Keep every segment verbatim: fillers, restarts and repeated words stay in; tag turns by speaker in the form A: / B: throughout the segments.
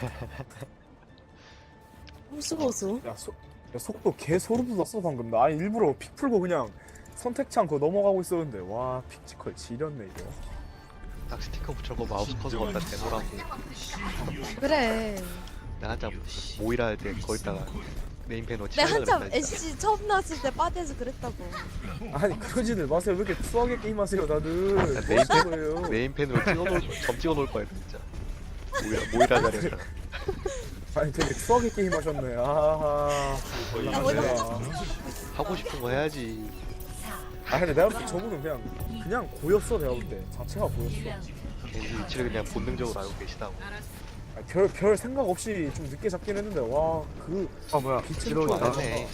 A: 무서워서.
B: 야, 소, 야 속도 개 소름 돋았어 방금. 나 아니 일부러 픽 풀고 그냥 선택치 않고 넘어가고 있었는데 와 픽지컬 지렸네 이거.
C: 딱 스티커 붙여고 마우스 커서 갖다 대놓으라고.
A: 그래.
C: 나 한참 모이라 할 때 거기다가 네임펜으로
A: 내가
C: 칠하려고
A: 한참
C: 그랬다, 진짜.
A: 애쉬 처음 나왔을 때 바디에서 그랬다고.
B: 아니 그러지들 마세요. 왜 이렇게 투하게 게임하세요 다들.
C: 야,
B: 뭐
C: 네임펜,
B: 하는 거예요?
C: 네임펜으로 찍어놓을 점 찍어놓을 거야 진짜. 모이라 모이라 자리에서.
B: 아니 되게 투하게 게임하셨네. 아하.
A: 야, 뭐 이거 하자.
C: 하고 싶은 거 해야지.
B: 아 근데 내가 볼 때 저분은 그냥 그냥 고였어. 내가 볼 때 자체가 고였어.
C: 겐지 위치를 그냥 본능적으로 알고 계시다고.
B: 별 별 생각 없이 좀 늦게 잡긴 했는데 와그
D: 아 뭐야
B: 빛은
D: 들어오다.
C: 네.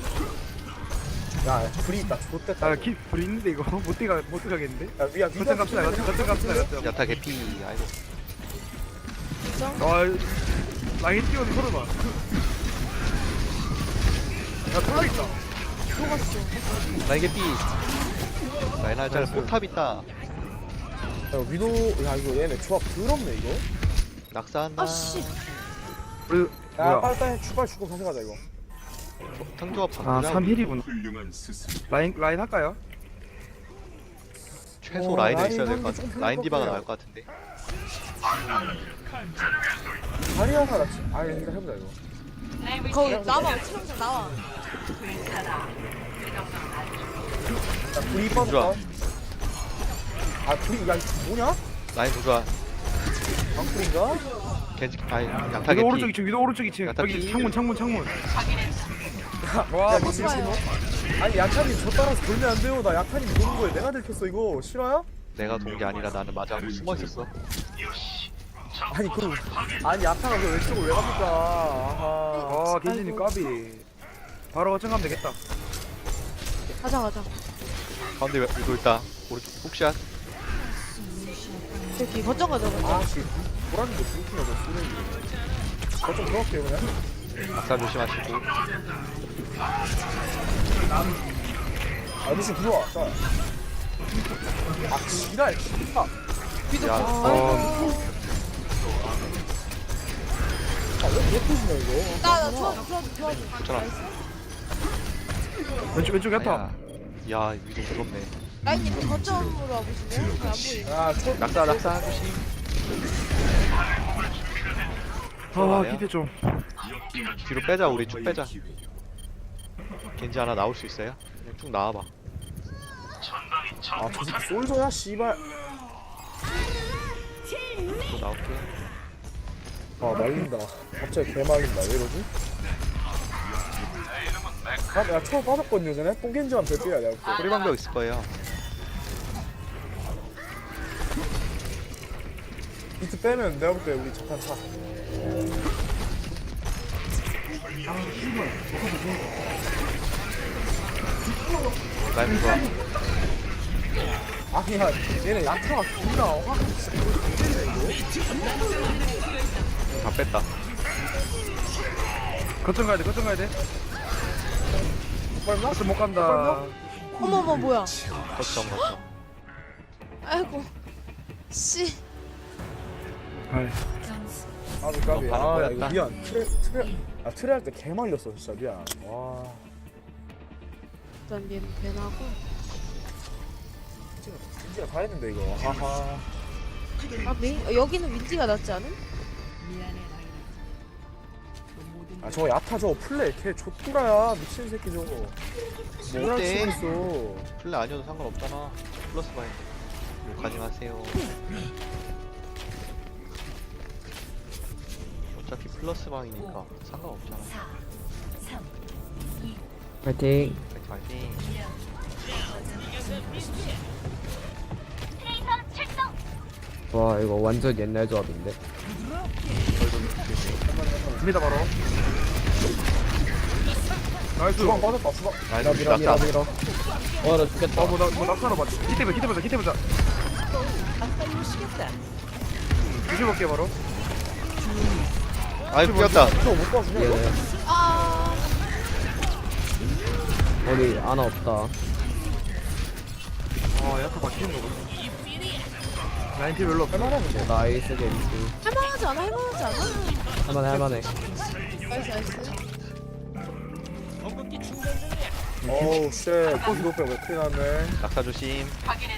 B: 야 불이 있다. 좋댔다.
D: 아키 불이 있는데 이거 못 들어가 못 들어가겠는데?
B: 야 미야 미가
D: 거점 갑시다 거점 거점 갑시다 거점.
C: 야타 개피. 아이고.
D: 아 라인 띄워서 서로 봐. 야 털어 있다.
A: 녹았어.
C: 라인 개피. 라인 할짤 포탑 있다.
B: 야 위도 야 이거 얘네 조합 더럽네 이거.
C: 낙사한다.
A: 아씨.
D: 우리
B: 야
D: 뭐야?
B: 빨리 빨리 출발 주고 가져가자 이거.
C: 탕조합
D: 아
C: 바꾸자.
D: 삼 힐이구나. 라인 라인 할까요?
C: 최소
B: 어,
C: 라인은
B: 라인
C: 있어야 될
B: 하는
C: 것
B: 게좀
C: 같아. 라인 디바가
B: 편할
C: 나을 것 같은데.
B: 다리아가 낫지. 아 일단 해보자 이거.
A: 거기 나와. 치명상 나와.
B: 야 불이
C: 좋아.
B: 빠졌다. 아 불이 야 이거 뭐냐?
C: 라인 부좋아.
B: 방풀인가?
C: 겐지 아니 양타
D: 위도 오른쪽
C: 개피.
D: 이층 위도 오른쪽 이층
C: 야타
D: 여기
C: 피.
D: 창문 창문 창문.
B: 와
D: 와
B: 미친
A: 좋아요.
B: 신호. 아니 야타님 저 따라서 돌면 안 돼요. 나 야타님 보는 거에 내가 들켰어 이거. 실화야?
C: 내가 돈 게 아니라 나는 맞아 숨어 있었어.
B: 아니 그럼 아니 야타가 그 왼쪽을 왜 갑니까? 아하.
D: 아 겐지님
A: 아이고.
D: 까비. 바로 거점 가면 되겠다.
A: 가자 가자.
C: 가운데 위도 있다. 오른쪽 훅샷.
A: 저기 거점 가자 거점.
B: 아씨 보라는 거 불키가 너 쓰레기. 저좀 들어갈게요 그냥.
C: 낙사 조심하시고.
B: 아 루시 들어와. 자. 아 지랄 진짜.
A: 위도.
C: 야,
A: 아이고.
B: 아왜 터지냐 이거?
A: 나나 도와줘 도와줘 도와줘.
C: 괜찮아.
D: 왼쪽 왼쪽 야타.
C: 아야. 야 위도 무섭네.
A: 라인님 거점으로 와보실래요? 안 보이네.
B: 아 초.
C: 낙사 낙사 조심.
D: 아 기대 좀.
C: 뒤로 빼자. 우리 쭉 빼자. 겐지 하나 나올 수 있어요? 그냥 쭉 나와봐.
B: 아저 새끼 솔저야 씨발.
C: 또 나올게.
B: 아 말린다. 갑자기 개 말린다. 왜 이러지? 아, 야 초월 빠졌거든요 전에. 뽕겐지만 뵐게야 내가 볼 때.
C: 뿌리 방벽 있을 거예요.
B: 비트 빼면 내가 볼 때 우리 자탄 차.
C: 라인 좋아.
B: 아니야 얘네 야타가 존나 확
C: 다 뺐다.
D: 거점 가야 돼 거점 가야 돼.
B: 빨나?
D: 거점 못 간다.
A: 어머머 뭐야?
C: 거점 거점.
A: 아이고. 씨.
D: 아이.
B: 까비 까비.
C: 어,
B: 아 야,
C: 방금
B: 이거 미안. 트레 트레 아 트레 할 때 개 말렸어 진짜 미안. 와
A: 일단 얘는 배나고.
B: 진짜 진짜 다 했는데 이거. 하하.
A: 아 메인 어, 여기는 윈디가 낫지 않은?
B: 아 저거 야타 저거 플레이 걔 좆구라야 미친 새끼 저거. 뭐라
C: 어때?
B: 치고 있어.
C: 플레 아니어도 상관없잖아. 플러스 바인. 욕하지 마세요. 어차피 플러스 방이니까 상관없잖아.
E: 파이팅.
C: 파이팅 파이팅.
E: 와 이거 완전 옛날 조합인데.
D: 갑니다 바로. 나이스.
B: 주방 빠졌다 주방.
C: 나이스,
B: 미라 미라
C: 낙사.
B: 미라.
E: 와나 죽겠다.
D: 어, 뭐, 나, 뭐, 낙사로 봤지. 기대 보자, 기대 보자, 기대 보자. 유지볼게, 바로.
C: 아이 뛰었다.
B: 저거 못 봐주냐 이거?
E: 얘네
A: 아.
E: 어디 아나 없다.
D: 아, 약간 바뀌는 거구나. 라인 피 별로 없어.
B: 할만하는데.
E: 나이스 겐지.
A: 할만하지 않아? 할만하지 않아?
E: 할만해 할만해.
A: 나이스 나이스.
B: 어우 쉣. 이거 빼고 맥크리 나왔네.
C: 낙사 조심.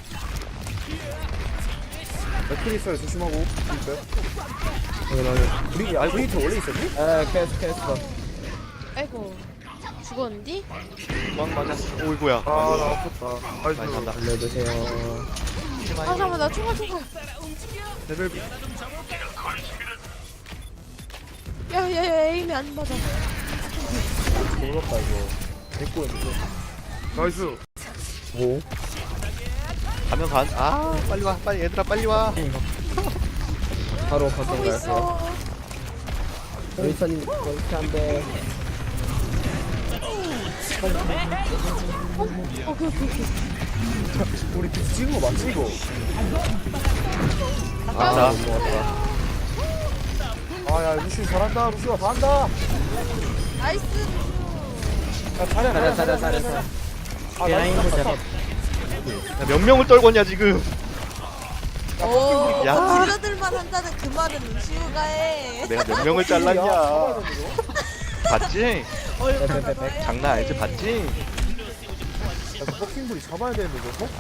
B: 맥크리 있어요. 조심하고. 있어요.
E: 여기
B: 우리 아 브리트 원래 있었니?
E: 에 캐스 캐스.
A: 아이고 죽었는디?
C: 도망 맞았어. 오이구야.
D: 아, 나 아팠다.
C: 많이
D: 나이스.
C: 산다.
E: 알려주세요.
A: 아 잠깐만 나 총알 총알.
D: 레벨
A: 야야야 에임이 안 맞아.
B: 모르겠다 이거. 데리고 있는데.
D: 나이스.
E: 오.
C: 가면 간. 아 빨리 와. 빨리 얘들아 빨리 와.
E: 바로 거점
A: 하고
E: 갈게요.
A: 있어.
E: 윌선님 그렇게 한데.
A: 어 오케이 오케이 오케이.
B: 우리 비 찍은 거 맞지 이거?
E: 아
C: 자.
E: 못 먹었다.
B: 아야 루시 잘한다. 루시가 다 한다.
A: 나이스.
B: 야 잘해
E: 잘해 잘해 잘해 잘해.
B: 아 나이스 잡았다.
C: 야, 몇 명을 떨궜냐 지금.
A: 오.
C: 야.
A: 딜러들만 한다는 그 말은 루시우가 해.
C: 내가 몇 명을 잘랐냐. 봤지?
E: 빼빼빼빼.
C: 장난 아니지 봤지?
B: 야, 그 버킹불이 잡아야 되는데 저거?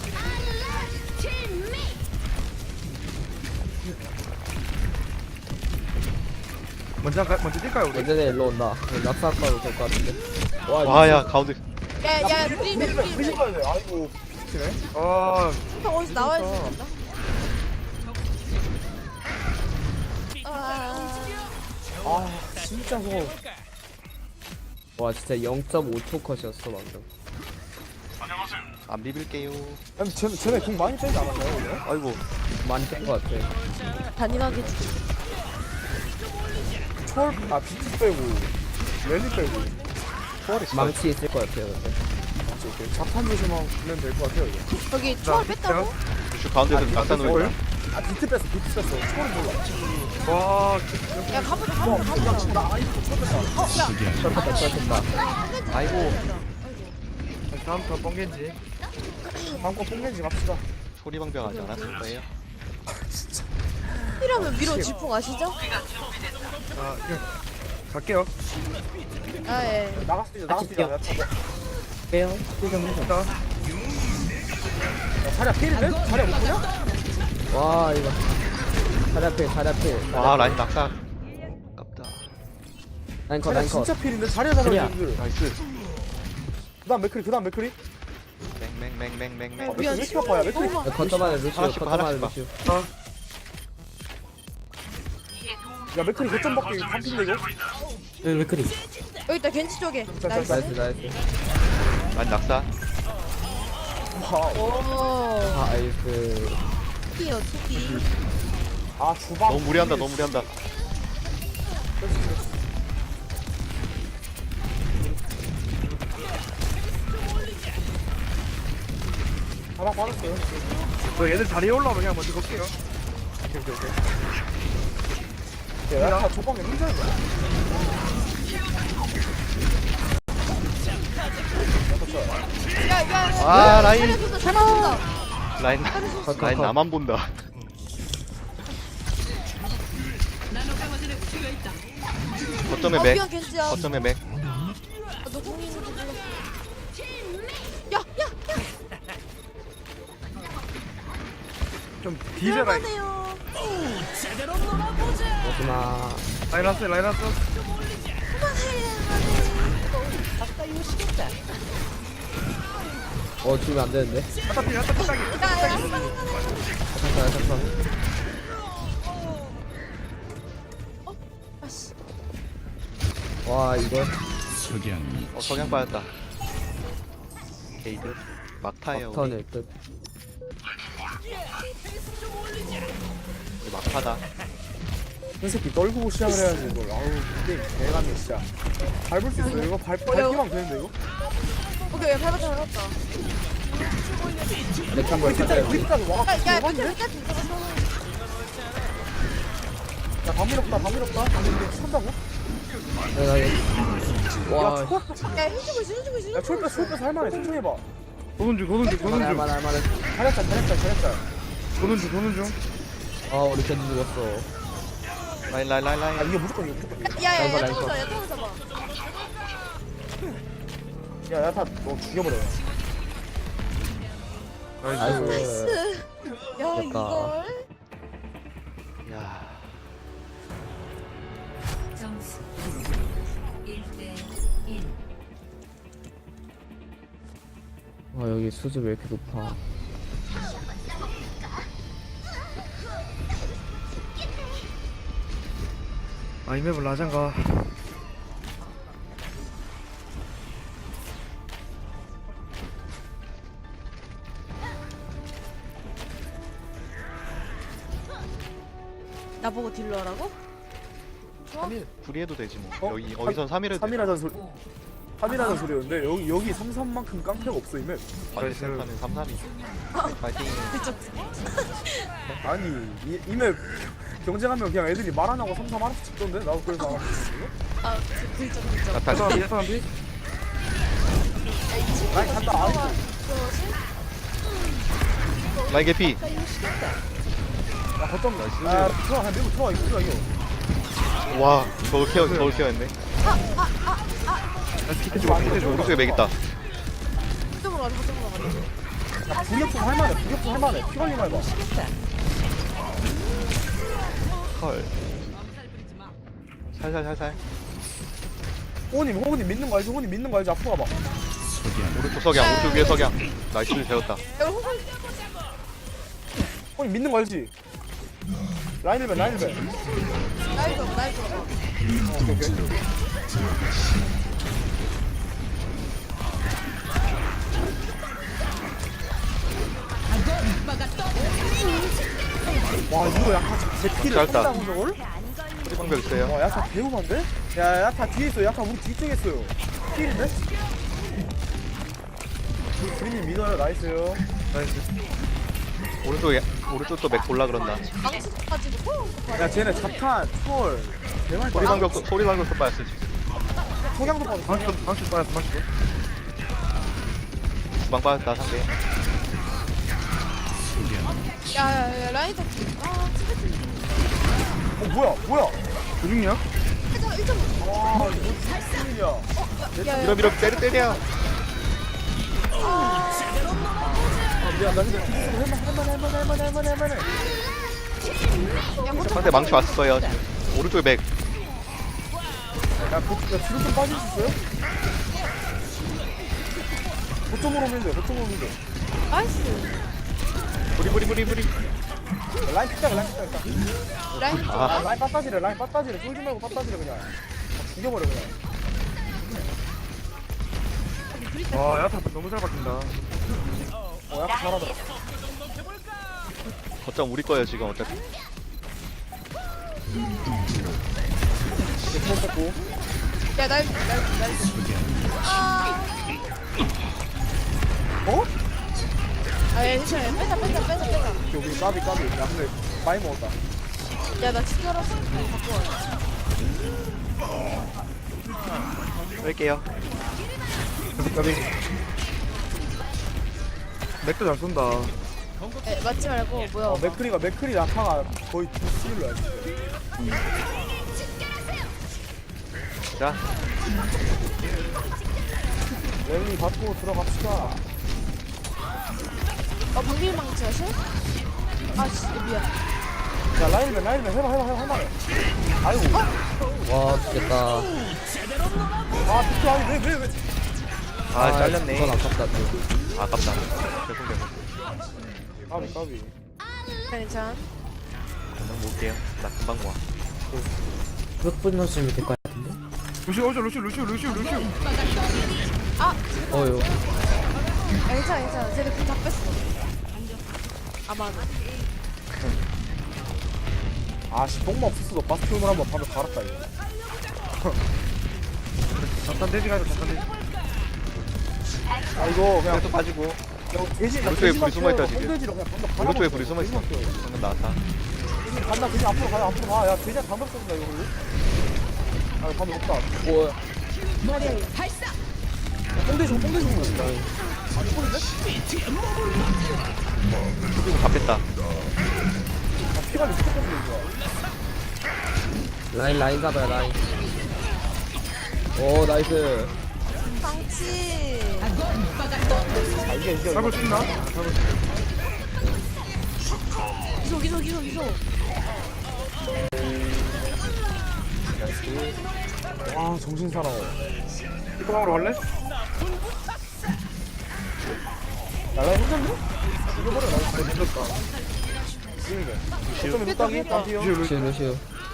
D: 먼저 가, 먼저 뛸까요 우리?
E: 예전에 일로 온다. 낙사가도 될 것 같은데. 와
C: 와야 가운데.
A: 야야 프리맨
B: 프리즈
A: 프리맨.
B: 가야 돼. 아이고 비키네.
D: 아,
A: 형 어디서 나와야 된다. 아.
B: 아 진짜 저거.
E: 와 진짜 영 점 오 초 컷이었어 방금.
C: 안 비빌게요.
B: 아니 쟤네 쟤네 공 많이 빼지 않았나요 원래?
C: 아이고.
E: 많이 뺀 것 같아.
A: 단일하게 죽.
B: 초월 아 비트 빼고 랠리 빼고 초월이 있어.
E: 망치 있을 것 같아요 근데.
B: 오케이, 오케이. 자판 조심하면 될 것 같아요 이거.
A: 저기 초월 뺐다고?
C: 루슈 가운데서 낙사 놓을 거야?
B: 아 비트 뺐어 비트 뺐어. 초월 몰라.
D: 와,
A: 야 가보자 가보자 가보자.
B: 나 아이고 초월 뺐다.
E: 쳤다 쳤다.
C: 아이고.
D: 다음 턴 뻥겐지.
B: 다음 거 뽕겐지 갑시다.
C: 소리방병하지 않았을 거예요.
A: 이러면 위로 지풍 아시죠?
D: 아, 그냥 갈게요.
A: 아 예.
B: 나갔을 때 나갔을 때 야,
E: 빼요. 좀 해줘.
D: 자,
B: 자리야 필인데? 자리야 못 보냐?
E: 와 이거. 자리 앞에 자리 앞에.
C: 와 라인 낙사. 아깝다.
E: 라인 컷
B: 자리야
E: 라인 컷.
B: 진짜 필인데? 자리야 잡아야 되는데.
C: 나이스.
B: 그 다음 맥크리 그 다음 맥크리.
C: 맹맹맹맹맹맹.
B: 어, 맥크리 왜 이렇게 바빠야 맥크리?
A: 너무 많아.
E: 거점 안에 루시오
C: 하나씩 봐,
E: 거점 안에
C: 하나씩
E: 루시오.
B: 야 맥크리 거점 밖에 한핀데 이거?
E: 왜 그리?
A: 여기 있다 겐지 쪽에.
B: 자, 자,
A: 나이스.
B: 자.
E: 나이스 나이스.
C: 라인 낙사.
A: 오.
E: 나이스.
A: 투기요 투기.
B: 아 주방
C: 너무 무리한다 너무 무리한다.
B: 하나 받았어요.
D: 저 얘들 다리에 올라오면 그냥 먼저 갈게요.
B: 오케이 오케이 오케이. 야 약간 조방에 혼자 있네.
A: 야야.
C: 아 라인
A: 잘해준다 잘해준다.
C: 라인
E: 컷,
C: 라인
E: 컷.
C: 나만 본다. 거점에
A: 어
C: 맥.
A: 미안 겐지야.
C: 거점에 맥.
A: 아, 너 공이 있는지 몰라. 야 야.
D: 좀 뒤져라.
A: 미안하네요.
E: 마지막.
D: 라인 왔어, 라인 왔어.
E: 어 죽으면 안 되는데.
D: 아따 피, 아따 피 따기.
A: 야야.
E: 잠깐 잠깐.
A: 아씨.
E: 와 이거
C: 어 석양 빠졌다. 게이드. 막타예요 우리.
E: 턴일 듯.
C: 우리 막타다.
B: 이 새끼 떨구고 시작을 해야지 이걸. 아우 게임 개감이 진짜. 밟을 수 있어 이거 밟 밟기만 되는데 이거?
A: 오케이 야 밟았다 밟았다.
E: 맥 한번 찾아요.
B: 우리까지 와.
A: 야야
B: 대박인데?
A: 밑에 밑에 밑에.
B: 야 밤일 없다 밤일 없다. 밤일 산다고?
E: 와.
B: 야 초월
A: 야 힘주고 있어 힘주고 있어.
B: 야 초월 빼 초월 빼서 할만해. 천천히 해봐.
D: 도는 중, 도는 중, 도는
E: 할만해
D: 중.
E: 할만해 할만해.
B: 잘했다 잘했다 잘했다.
D: 도는 중, 도는 중.
E: 아 우리 겐지 죽었어.
C: 라인 라인 라인
B: 아
C: 라인.
B: 이게 무조건 이거 무조건
A: 야야야
E: 라이벌,
A: 야타고
E: 라이벌.
A: 잡아 야타고 잡아.
B: 야 야타 너 죽여버려.
D: 나이스.
E: 아이고.
A: 야
E: 됐다.
A: 이걸.
C: 야.
F: 점수 일 대 일.
E: 아 여기 수준 왜 이렇게 높아?
D: 아, 이 맵은 라장가.
A: 나보고 딜러 하라고?
C: 삼 일 불이해도 되지 뭐.
B: 어?
C: 여기 어디선 삼 일 해도 돼.
B: 삼이라는 소리 삼이라는 소리였는데 여기 여기 삼삼만큼 깡패가 없어 이맵.
C: 아니 센터는 삼 삼이. 파이팅.
B: 아니 이 이맵 경쟁하면 그냥 애들이 말 안 하고 삼삼 알아서 찍던데 나도 그래서 알았어.
A: 아 글쩍 글쩍.
C: 나타.
D: 사람이 사람이
B: 라인 간다. 아이
C: 라인 개피.
B: 야 거점 아 들어와 그냥 밀고 들어와 이거 들어와 이거.
C: 와 저걸 케어 저걸 케어했네.
D: 피해줘 피해줘.
C: 오른쪽에 맥 있다.
A: 거점으로 가자 거점으로 가자.
B: 야 불협품 할만해 불협품 할만해 피 관리 말봐.
C: 헐. 살살 살살.
B: 호우님 호우님 믿는 거 알지? 호우님 믿는 거 알지? 앞으로 가봐.
C: 오른쪽 석양 오른쪽 위에 석양. 나이스 배웠다.
A: 야 호글.
B: 호우님 믿는 거 알지? 라인을 배 라인을 배.
A: 나이 좀 나이 좀.
B: 오케이 오케이. 와 이거 약간 제 피를
C: 짧다.
B: 쏜다고 저걸?
C: 우리 방벽 있어요.
B: 와 야타 배우만데? 야 야타 뒤에 있어 야타 우리 뒤쪽에 있어요 필인데? 주인님 믿어요 나이스요.
D: 나이스.
C: 오른쪽에 오른쪽 또맥 골라 그런다.
A: 망치 가지고.
B: 야 쟤네 자탄 초월 대말
C: 소리 방벽 소리 방벽 또 빠졌어 지금.
B: 석양도 빠져
D: 방출 방출 빠졌어 방출.
C: 주방 빠졌다 상대.
A: 야야야 라인 좀. 아 티베트.
B: 어 뭐야 뭐야
D: 조중이야?
A: 일점 일점.
B: 와 이거 무슨 일이야.
C: 밀어 밀어 때려 때려.
B: 아 미안 나 근데 할만 할만 할만 할만 할만 할만해.
C: 상대 망치 왔어요. 지금. 오른쪽에 맥.
B: 야, 그, 야 뒤로 좀 빠질 수 있어요? 거점으로 밀돼 거점으로 밀돼
A: 나이스.
C: 부리 부리 부리 부리.
B: 라인 픽자 라인 픽자 일단.
A: 라인.
B: 아,
C: 아
B: 라인 빠따지래 라인 빠따지래 쫄지 말고 빠따지래 그냥. 다 죽여버려 그냥.
D: 와 야타 너무 잘 바뀐다.
B: 어 약간 잘하더라.
C: 거점 우리 거예요 지금 어차피.
B: 이제 처음 뺐고.
A: 야날날날 아.
B: 어?
A: 아 괜찮아. 빼자 빼자 빼자 빼자.
B: 여기 까비 까비. 야 근데 많이 먹었다.
A: 야나 진짜 알았어. 갖고 와.
C: 뺄게요.
D: 까비. 맥도 잘 쏜다.
A: 에 맞지 말고 뭐야.
B: 어 맥크리가 맥크리 낙하가 거의 두 스킬로야.
C: 자
B: 랠리 받고 들어갑시다.
A: 아 방밀망치 하실? 아씨 미안.
B: 야 라인맨 라인맨 해봐 해봐 해봐 할만해. 아이고.
E: 와 죽겠다.
B: 아 비트 아니 왜왜 왜?
C: 아, 잘렸네.
E: 이건 아깝다 또.
C: 아깝다. 죄송 죄송.
B: 까비 까비.
A: 괜찮.
C: 그냥 모을게요. 나 금방 모아.
E: 몇 분 넣으시면 될 것 같은데?
D: 루시 오죠 루시 루시 루시 루시.
A: 아
E: 어유.
A: 아, 괜찮아 괜찮아. 쟤네 궁다 뺐어. 아 맞아.
B: 아씨 똥마 없었어도 바스티온을 한번 밤에 갈았다 이거.
D: 잠깐 돼지 가자 잠깐 돼지.
B: 아 이거 그냥
C: 또 빠지고.
B: 야, 돼지 나
C: 오른쪽에
B: 돼지만
C: 불이 숨어있다,
B: 키워요.
C: 지금.
B: 홈돼지로 그냥 방금 갈아먹었어.
C: 오른쪽에 불이 숨어 있어.
B: 돼지만 키워요.
C: 방금 나왔다.
B: 돼지 간다 돼지 앞으로 가야 앞으로 가. 야 돼지야 방금 썼다 이거 우리. 아 방금 없다.
E: 오.
A: 머리에.
B: 야, 홈돼지 홈돼지 먹는다. 아니 홀인데?
C: 그리고 다 뺐다.
B: 아 피관리 무조건 이거.
E: 라인 라인 잡아요 라인. 오 나이스.
A: 방치.
B: 아 이게 이게
D: 잡을 수 있나? 잡을 수 있나?
A: 기소 기소 기소 기소.
B: 와 정신 사나워.
D: 뚜껑으로 갈래?
B: 날라 힘든데? 죽여버려 나
D: 아, 늦었다.
B: 지금이네.
C: 루시우.
B: 어쩌면 뚝딱이 땀피요.
D: 루시오,
E: 루시우
D: 루시오.
E: 루시우.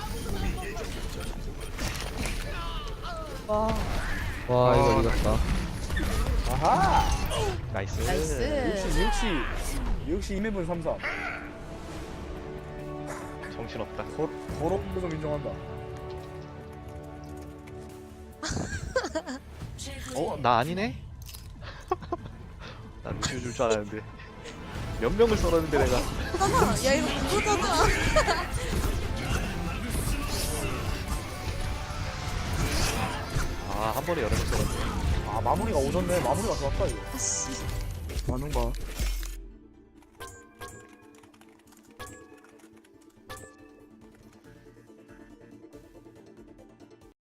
A: 와
E: 와 이거 이겼다.
B: 아하.
C: 나이스.
A: 나이스.
B: 역시 역시 역시 이맵은 삼삼.
C: 정신없다.
B: 더 더러운 거좀 인정한다.
C: 어? 나 아니네? 난 루시우 줄 줄 알았는데 몇 명을 썰었는데 내가.
A: 그거잖아. 야 이거 그거잖아.
C: 아 한 번에 여러 명 썰었네.
B: 아 마무리가 오졌네. 마무리가 좋았다 이거.
A: 아씨.
D: 많은 거.